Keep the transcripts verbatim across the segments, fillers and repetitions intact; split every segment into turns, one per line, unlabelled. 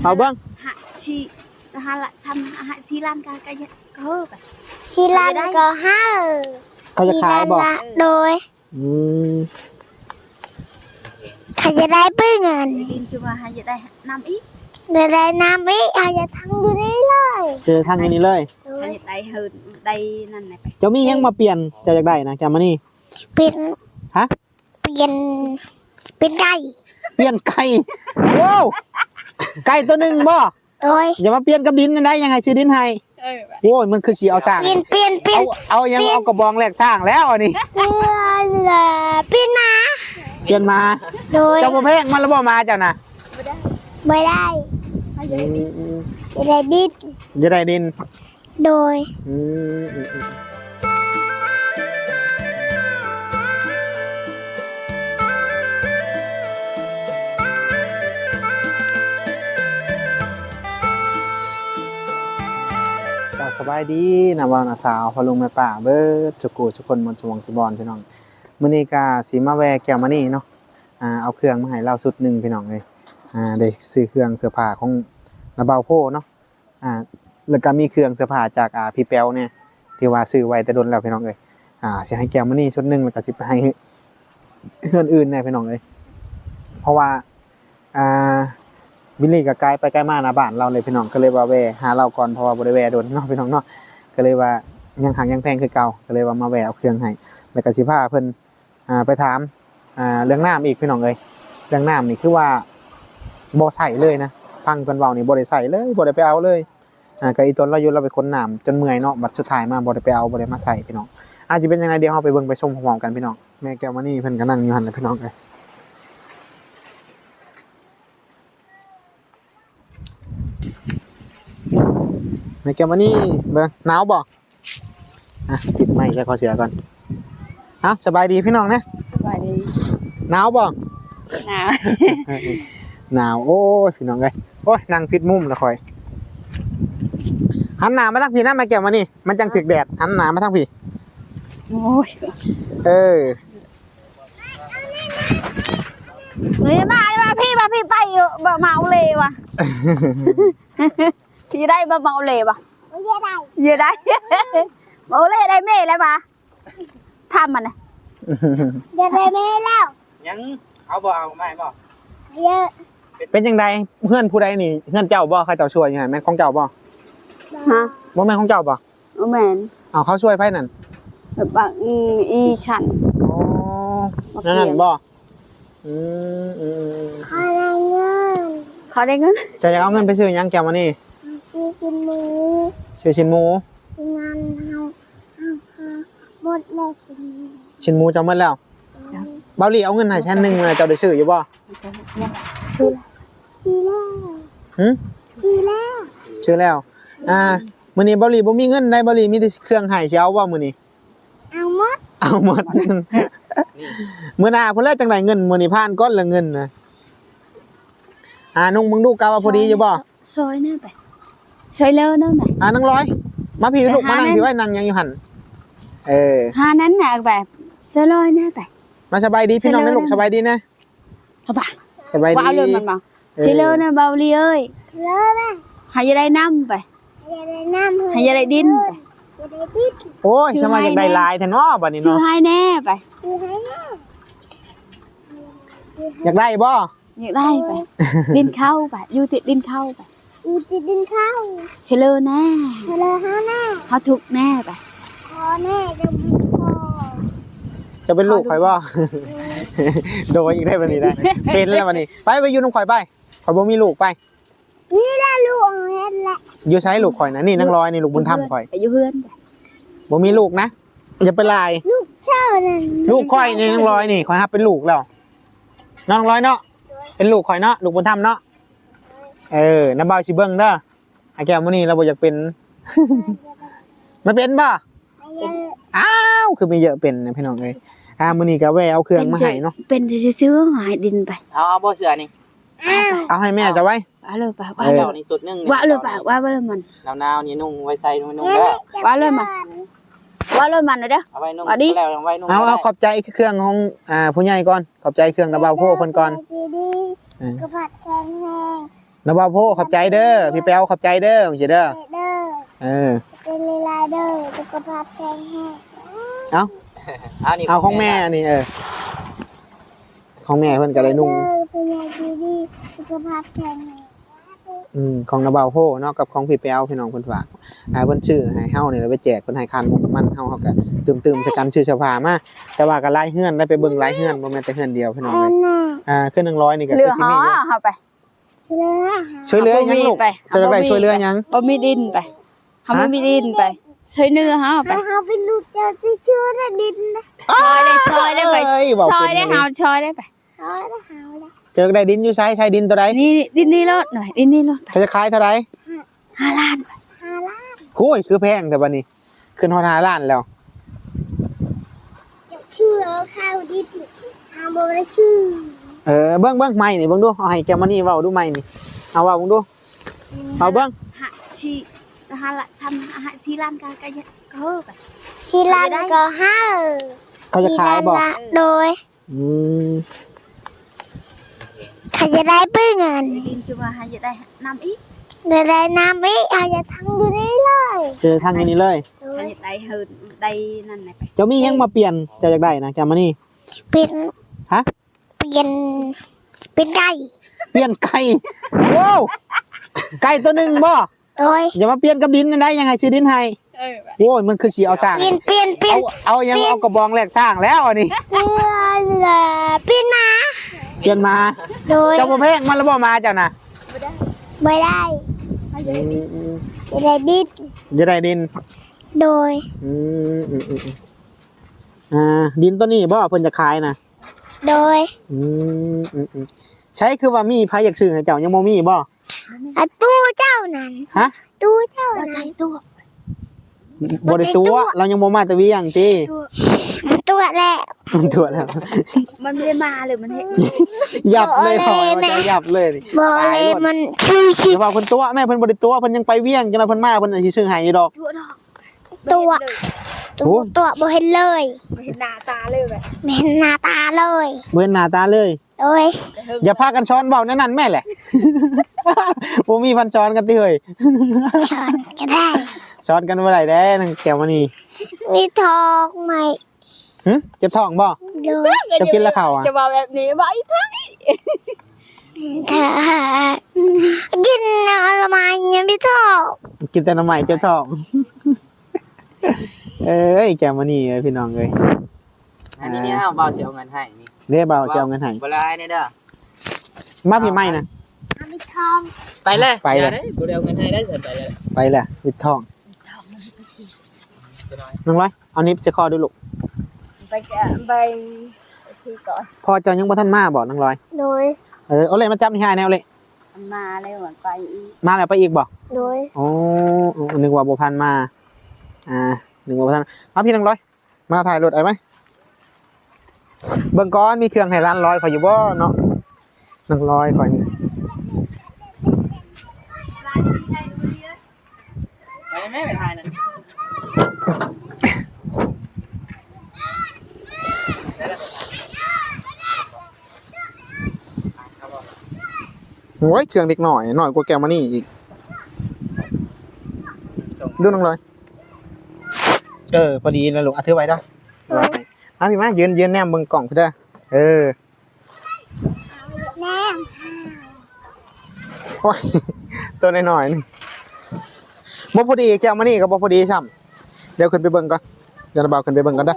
เอาเบิ้ง
หาชีหาละทำหาชีลันก็ก็ก็เฮ้อไป
ชีลันก็ห้า
เขาจะขายบอก
โดย
อืม
เขาจะได้ปื้เงิน
ดินจุมาหาจะได้น้ำอีก
ได้ได้น้ำอีกเขาจะทำอยู่นี่เลย
เจอทางนี้เลย
หาจะได้เฮินได้นั่นไหนไป
เจ้ามียังมาเปลี่ยนจะอยากได้นะแกมานี่
เปลี่ยน
ฮะ
เปลี่ยนเปลี่ยนไก่
เปลี่ยนไก่ว้าวไก่ตัวหนึ่งบ่
โดย
อย่ามาเปลี่ยนกับดินได้ยังไงซื้อดินให้โอ้ยมันคือสีเอาสร้าง
เปลี่ยนเปลี่ยนเปลี่ยน
เอายังเอากระบองแหลกสร้างแล้วอันนี้
เปลี่ยนมา
เปลี่ยนมา
โดย
เจ้าพ่อแพงมันแล้วบ่มาเจ้าน่ะ
ไม่ได้จะได้ดิน
จะได้ดิน
โดย
สบายดีนะว่านะสาวพอลุงแม่ป่าเบิดจุกูทุกคนมนชวงที่บอลพี่น้องมื้อนี้ก็สิมาแวะแก้วมานี่เนาะอ่าเอาเครื่องมาให้เราสุดหนึ่งพี่น้องเลยอ่าได้ซื้อเครื่องเสื้อผ้าของนาเบาโพเนาะอ่าแล้วก็มีเครื่องเสื้อผ้าจากอ่าพี่แป๊วเนี่ยที่ว่าซื้อไว้แต่โดนแล้วพี่น้องเลยอ่าสิให้แก้วมานี่ชุดหนึ่งแล้วก็สิไปให้เพื่อนอื่นแน่พี่น้องเลยเพราะว่าอ่าบิลลี่กับไกด์ไปใกล้มาหน้าบ้านเราเลยพี่น้องก็เลยว่าแวะหาเราก่อนเพราะว่าบริแวะโดนเนาะพี่น้องเนาะก็เลยว่ายังห่างยังแพงคือเก่าก็เลยว่ามาแวะเอาเครื่องให้แล้วก็สิพาเพิ่นอ่าไปถามอ่าเรื่องน้ำอีกพี่น้องเลยเรื่องน้ำนี่คือว่าบ่ใส่เลยนะฟังเพิ่นเว้านี่บ่ได้ใส่เลยบ่ได้ไปเอาเลยอ่าก็อีตนเราอยู่เราไปค้นน้ำจนเมื่อยเนาะบัดสุดท้ายมาบ่ได้ไปเอาบ่ได้มาใส่พี่น้องอาจจะเป็นยังไงเดี๋ยวเฮาไปเบิ่งไปชมพร้อมๆกันพี่น้องแม่แก้วมานี่เพิ่นก็นั่งอยู่หั่นแหละพี่น้องเอ้ยแม่แก้วมานี่เบิ่งหนาวบ่อ่ะติดไม้ใส่คอเสือก่อนเอ้าสบายดีพี่น้องนะ
สบายดี
หนาวบ่
หนาว
หนาวโอ้ยพี่น้องเอ้ยโอ้ยนั่งฟิตมุมละคอยหันหน้ามาทางพี่นะแม่แก้วมานี่มันจังถึกแดดหันหน้ามาทางพี่
โอ้ย
เออ
นี่มามาพี่มาพี่ไปแบบเมาเลยว่ะที่ได้มาเมาเลยว่ะ
เยอะได้
เยอะได้เมาเลยได้เม่แล้วมาทำมันนะ
เยอะได้เม่แล้ว
ยังเอาบ่เอาไม่บ่
เยอะ
เป็นยังไงเพื่อนผู้ใดนี่เพื่อนเจ้าบ่ใครเจ้าช่วยยังไงแม่ของเจ้าบ่
ฮะ
บ่แม่ของเจ้าบ่
แม่น
เอาเขาช่วยไพ่นั่น
แบบบางอีฉัน
อ๋อนั่นบ่อืมอืม
เขาได้เงิน
เขาได้เงิน
จะอยากเอาเงินไปซื้อยังแก้วมานี่
ซื้อชิ้นหมู
ซื้อชิ้นหมู
ชิ้นงานเฮาเฮาเฮาหมดแล้วชิ้น
ชิ้นหมูจะหมดแล้วเบาหลี่เอาเงินให้ชั้นหนึ่งเจ้าได้ซื้ออยู่บ่
ซื้อซื้อแล้ว
หืม
ซื้อแล้ว
ซื้อแล้วอ่ามื้อนี้เบาหลี่บ่มีเงินได้เบาหลี่มีแต่เครื่องให้สิเอาบ่มื้อนี้
เอาหมด
เอาหมดมื้อหน้าเพิ่นแล้วจังได๋เงินมื้อนี้ผ่านก่อนละเงินนะอ่านุ่งมึงดูกะว่าพอดีอยู่บ่
ซอยแน่ไปซอยเลิศนั่นน่ะ
อ่านั่งร้อยมาพี่ลูกมานั่งพี่ไว้นั่งยังอยู่หั่นเออ
หานั้นน่ะแบบซอยลอยแน่ไป
มาสบายดีพี่น้องนะลูกสบายดีนะ
เอาป่ะ
สบายดี
ว่าเลยมันบ่สิเลิศนะเบาลีเอ้ย
เลิศแม่
หาจะได้น้ำไป
หาจะได้น้ำ
หาจะได้ดินไป
จะได้ดิน
โอ้ยสมัยอยากได้ลายแท้เนาะบัดนี้เนาะ
ซื้อให้แน่ไป
ซื้อให้แน่
อยากได้บ่
อยากได้ไปดินเข้าไปอยู่ติดดินเข้าไป
อยู่ติดดินเข้า
เชลล์แน่
เชลล์เฮาแน่
เขาทุกแน่ไป
พอแน่จะพอ
จะเป็นลูกข่อยบ่โดยอีกได้บัดนี้ได้เป็นแล้วบัดนี้ไปไปอยู่น้องข่อยไปข่อยบ่มีลูกไป
นี่แหละลูกเฮ็ดแหละ
อยู่ใช้ลูกข่อยนะนี่นางร้อยนี่ลูกบุญธรรมข่อย
ไปอยู่เพื่อน
บ่มีลูกนะอย่าไปลาย
ลูกเจ้านั่น
ลูกข่อยนี่นางร้อยนี่ข่อยฮับเป็นลูกแล้วน้องร้อยเนาะเป็นลูกข่อยเนาะลูกบุญธรรมเนาะเออน้าบ่าวสิเบิ่งเด้อไอ้แก้วมื้อนี้เราบ่อยากเป็นมันเป็นบ่อ้าวคือมีเยอะเป็นนะพี่น้องเอ้ยอ่ามื้อนี้ก็แวะเอาเครื่องมาให้เนาะ
เป็นซื้อๆหายดินไป
เอาเอาบ่เสือนี่
เอาให้แม่จะไว้
ว่าเลยป่ะว่า
เลยนี่สุดนึง
ว่าเลยป่ะว่าเลยมัน
หนาวๆนี่นุ่งไว้ใส่นุ่งๆแล้ว
ว่าเลยมันว่าเลยมันเด้อ
เอาไว้นุ่งแล้วเอาไว้นุ่ง
เอาเอาขอบใจเครื่องของอ่าผู้ใหญ่ก่อนขอบใจเครื่องระเบาโพเพิ่นก่อน
ก็ผัดแข็งแห้ง
นะบ่าวโพขอบใจเด้อพี่แป๊วขอบใจเด้อจังซี่เด้อ
เด้อ
เออ
เป็นลีลาเด้อสุขภาพแข็งแรง
เอ้า
เอานี่
เอาของแม่นี่เออของแม่เพิ่นก็ได้นุ่ง
เด้อเป็นยายดีดีสุขภาพแข็งแรง
อืมของนะบ่าวโพเนาะกับของพี่แป๊วพี่น้องเพิ่นฝากอ่าเพิ่นชื่อให้เฮานี่แล้วไปแจกเพิ่นให้คานมุกมันเฮาเฮาก็ตืมๆใส่กันชื่อเสื้อผ้ามาแต่ว่าก็หลายเฮือนได้ไปเบิ่งหลายเฮือนบ่แม่นแต่เฮือนเดียวพี่น้อง
อั
เอ้ย
นน่ะ
อ่าคือหนึ่งร้อยนี่ก็
เหลื
คือ อสิ
หอ
มีอยู่
เฮาไป
เชื่อ
ช่วยเหลือยังลูก
ไป
จะได้ช่วยเหลือยัง
บ่มีดินไปเฮาบ่มีดินไปช่วยเนื้อเฮาไป
ให้เขาเป็นลูกเจ้าเชื่อๆนะดินนะ
ซอยได้ซอยได้ไป
เอ้ยบอก
ซอยได้
เป็น
เฮาซอยได้ไป
เขาได้หาวได้
เจอได้ดินอยู่ใช้ใช้ดินตัวใด
นี่ดินนี่รถหน่อยดินนี่รถ
เขาจะขายเท่าไหร่
ห้าล้าน
หาล้าน
คุยคือแพงแต่บัดนี้ขึ้นฮอดห้าล้านแล้ว
จะเชื่อข้าวดินหาบ่ได้ชื่อ
เออเบิ่งเบิ่งไม้นี่เบิ่งดูเอาให้แกมานี่เว้าดูไม้นี่เอาเว้าเบิ่งดูเอาเบิ่ง
หาที่ห้าล้านทำหาที่ล้านก็ก็ก็เฮอไป
ชิลันก็ห้า
เขาจะขายบ่
โดย
อืม
เขาจะได้ปื้เงิน
ดินคือว่าหาจะได้นำอีก
ได้ได้น้ำอีกเขาจะทำอยู่นี่เลย
เจอทางนี้เลย
โด
หาย จะได้เฮินได้นั่นน่ะไป
เจ้ามียังมาเปลี่ยนเจ้าอยากได้นะแกมานี่
เป็น
ฮะ
เปลี่ยนเป็นไก่
เปลี่ยนไก่ว้าวไก่ตัวหนึงบ่
โดย
อย่ามาเปลี่ยนกับดินนั่นได้ยังไงซื้อดินให้
เออ
โอ้ยมันคือสิเอาสร้าง
เปลี่ยนเปลี่ยนเปลี่ย
เอา
น
เอายังเอากระบองแลกสร้างแล้วอันนี้
เปลี่ยนเปลี่ยนมา
เปลี่ยนมา
โดย
เจ้าบ่แพงมันแล้วบ่มาเจ้าน่ะ
ไม่ได้
อืม
จะได้ดิน
จะได้ดิน
โดย
อืมอืมอืมอืมอ่าดินตัวนี้บ่เพิ่นจะขายนะ
โดย
อืมอืมอืมใช้คือว่ามีไผอยากซื้อให้เจ้ายังบ่มีบ่
อะตู้เจ้านั้น
ฮะ
ตู้เจ้า
เรา
นั้
ใช้
น
ตัว
บ่ได้ตัวเรายังบ่มาแต่เวียงติ
มันตัวแหละ
มันตัวแล้ว
มันไม่ได้มาเลยมันเห็น
ยับเลยถอยว่าจะยับเลยนี่
บอกเลยมันชูชิ
เดี๋ยวว่าเพิ่นตัวแม่เพิ่นบ่ได้ตัวเพิ่นยังไปเวียงจังได๋เพิ่นมาเพิ่นอาจสิซื้อให้อยู่ดอก
ตัวดอก
ตัว
โอ้
ตัวตัวบ่เห็นเลย
ไม่เห็นหน้าตาเลยแบบ
ไม่เห็นหน้าตาเลย
บ่เห็นหน้าตาเลย
โดย
อย่าพากันช้อนเว้าแนั่นนั่นแม่แหละ บ่มีพันช้อนกันติเฮ้ย
ช้อนก็ได้
ช้อนกันบ่ได้แด้นางแก้วมานี่
มีทองไหม
หึเจ็บท้องบ่
โดย
จะกินแล้วข้าวอ่ะ
จะมาแบบนี้ไว้ทั้ง
ถ้ากินอะไรมายังไม่ทอง
กินแต่น้ำใหม่เจ็บท้อง เอ้ยแก้วมานี่เอ้ยพี่น้องเอ้ย
อันนี้เนี่ยเอาเบาเสียเอาเงินให้นี่
เรียกเบาสิเอาเงินให้
บ่ลายเนี่ยเด้อ
มาพี่ไม่นะ
ไม่ทอง
ไปเลย
ไปเลย
อาด้บ่ได้เอาเงินให้ได้เสร็จไปเลย
ไปแหละวิดท้อง
ตัวน้อย
น้องร้อยเอานิปเชคอดูลูก
ไปแกะไปที่ก่อน
พอเจ้ายังบ่ทันมาบ่น้องร้อย
โดย
เออเอาเลยมาจับนี่ให้แนวเลย
มันมาเลยเหมือนไปอีก
มาแล้วไปอีกบ่
โดย
โอ้นึกว่าบ่พันมา อ่านึกว่าบ่ทันมาพี่น้องร้อย มาถ่ายรถไอ้ไหมเบิ่งก่อนมีเครื่องให้ร้านร้อยขอยอยู่บ่เนาะน้องร้อยขอยนี่
ไปไหมไปถ่ายนั่น
โอ้ยเครื่องเด็กหน่อยหน่อยกว่าแกวมานี่อีกดูน้องร้อย เออพอดีนะลูกเอาถือไว้เด้อไว้ให้มาพี่มายืนยืนแนมเบิ่งกล่องพี่เด้อเออ
แนม
โอ้ยตัวน้อยๆนี่บ่พอดีแกวมานี่ก็บ่พอดีซ้ำเดี๋ยวขึ้นไปเบิ่งก่อนเดี๋ยวเราเบาขึ้นไปเบิ่งก่อนเด้อ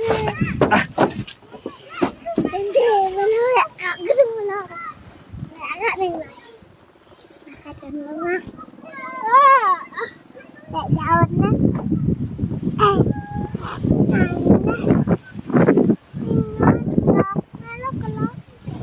เป็นเทมาเลยอ่ะก็ดูเลยแล้วก็หนึ่งเลยนะคะจะรู้ว่าแต่ยาวนะเอ้ยตายนะแล้วก็ล็อก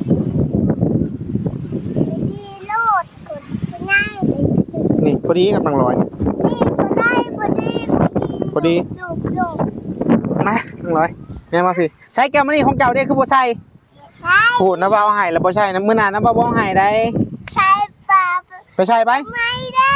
ดีโลดกดง่ายเลย
นี่พอดีกับน้องร้อยนี่
นี่พอได้พอดี
พอดี
โยกโยก
มาน้องร้อยแม่มาพี่ใช้แกวมานี่ของเก่าเด้คือบ่ใส่
ใช่
พูดนะบ่เอาให้แล้วบ่ใช่นะมื้อหน้านะบ่บ่เอาให้ได้
ใช่ปะ
ไปใช่ไป
ไม่ได้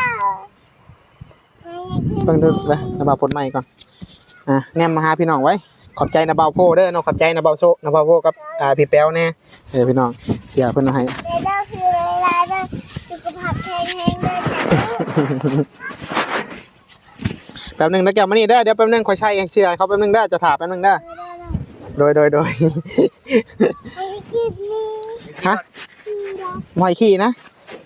ไม่ได้
เบิ่งดูเลยนะบ่าวปลดไม้ก่อนอ่ะแนมมาหาพี่น้องไว้ขอบใจนะบ่าวโพเด้อเนาะขอบใจนะบ่าวโซนะบ่าวโพกับอ่าพี่แป๊วแน่เออพี่น้องเสียเพิ่นเอาให้
เด้อคือเวลาเด้อสุขแห้งเลย
แป๊บหนึงนะแก้วมานี่เด้อเดี๋ยวแป๊บหนึงค่อยใช้เชื่อเขาแป๊บหนึงเด้อจะถามแป๊บหนึงเด้อโดยโดยโดย
ไอ้กินนี่
ฮะหอยขี้นะ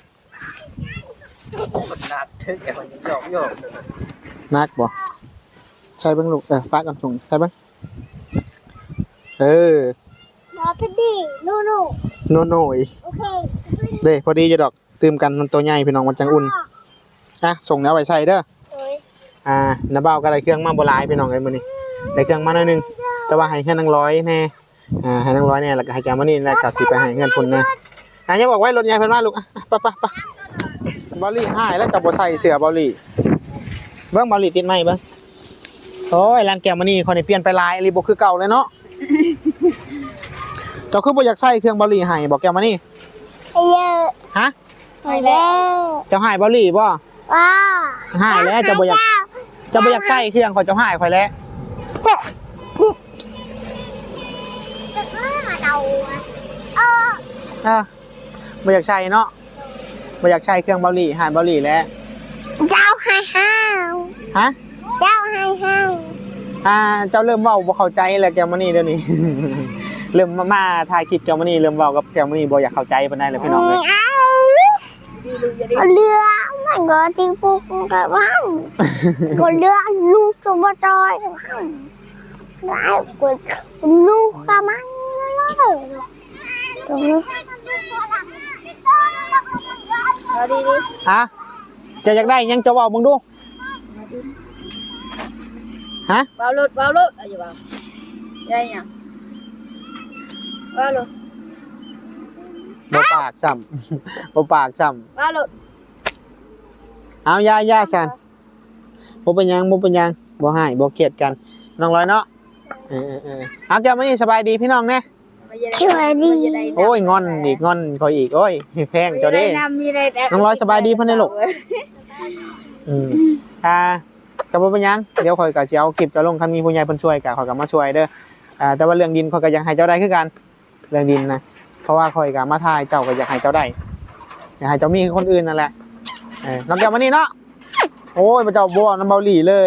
นัดทึกแกคนโยกโยก
นักบ่ใช่เบิ่งลูกเออป้ากันส่งใช่เบิ่งเออ
มาพอดีโน่โน่
โนโน่อี
โอเค
เด้พอดีจะดอกตื่มกันมันตัวใหญ่พี่น้องมันจังอุ่นอ่ะส่งแล้วไว้ใส่เด้อ
โอ้ย
อ่าน้าเบ้าก็ได้เครื่องมาบ่หลายพี่น้องเอ้ยมื้อนี้ได้เครื่องมาหน่อยหนึงแต่ว่าให้แค่นางร้อยแน่อ่าให้นางร้อยแน่แล้วก็ให้แกมานี่แล้วก็สิไปให้เงินพุ่นแน่อ่ะอย่าบอกไว้รถใหญ่เพิ่นมาลูกอ่ะไปไปไปบอลลี่หายแล้วจะบ่ใส่เสื้อบอลลี่เบิ่งบอลลี่ติดไหมเบิ่งโอ้ยร้านแก้วมานี่คนนี้เปลี่ยนไปหลายอีหลีบ่คือเก่าเลยเนาะเจ้าคือบ่อยากใส่เครื่องบอลลี่ให้บอกแก้วมานี่
ไอ้เยอะ
ฮะ
ไอ้เด้อ
เจ้าหายบอลลี่บ่
ว้า
หายแล้วเจ้าบ่อยากเจ้าบ่อยากใส่เครื่องข่อยเจ้าหายข่อยแล้ว
จะเอ้ยมาเดาเออ
เออบ่อยากใช้เนาะบ่อยากใช้เครื่องเบาหลีหายเบาหลีแล้ว
เจ้าให้ห้าว
ฮะ
เจ้าให้ห้าว
อ่าเจ้าเริ่มเว้าบ่เข้าใจแล้วแกวมานี่เดี๋ยวนี้ เริ่มมามาถ่ายคลิปแกวมานี่เริ่มเว้ากับแกวมานี่บ่อยากเข้าใจปานใดแล้วพี่น้องเอ้ย
เอาเรือมันก็ทิ้งปุ๊กกับมันก็เรือลูกสมบัติจอยกับมันแล้วก็ลูกกับมันเลยตรงนี้
เอาดี
ฮะเจะอยากได้หยังจะเว้ามึงดูฮะ
ๆเบารถเบารถเอาอยู่เบาได้ยังเบารถ
บ่ปากซ้ำ บ่ปากซ้ำ
เบารถ
เอาย่าย่าฉันบ่เป็นหยังบ่เป็นหยังบ่ให้บ่เครียดกันน้องร้อยเนาะเออๆๆเอาแกวมานี่สบายดีพี่น้องแน่
ช่วยดี
โอ้ยงอนอีกงอนคอยอีกโอ้ยแพงเจ้าเด้ น้องร้อยสบายดีเพิ่นได้ลูก อืมอ่าก็บ่เป็นหยังเดี๋ยวข่อยก็สิเอาคลิปจะลงคันมีผู้ใหญ่เพิ่นช่วยก็ข่อยก็มาช่วยเด้ออ่าแต่ว่าเรื่องดินข่อยก็ยังให้เจ้าได้คือกันเรื่องดินนะเพราะว่าข่อยก็มาถ่ายเจ้าก็อยากให้เจ้าได้อยากให้เจ้ามีคือคนอื่นนั่นแหละเออน้องแก้วมานี่เนาะโอ้ยพระเจ้าบ่น้ำเบาหลีเลย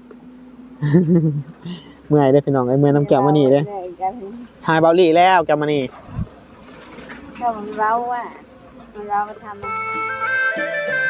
เมื่อยเด้อพี่น้องเอ้ยเมื่อยน้ำแก้วมานี่เด้อถ่ายเบาหลีแล้วแก้วมานี่
ก็มันเบาอ่ะมันเบาไปทำ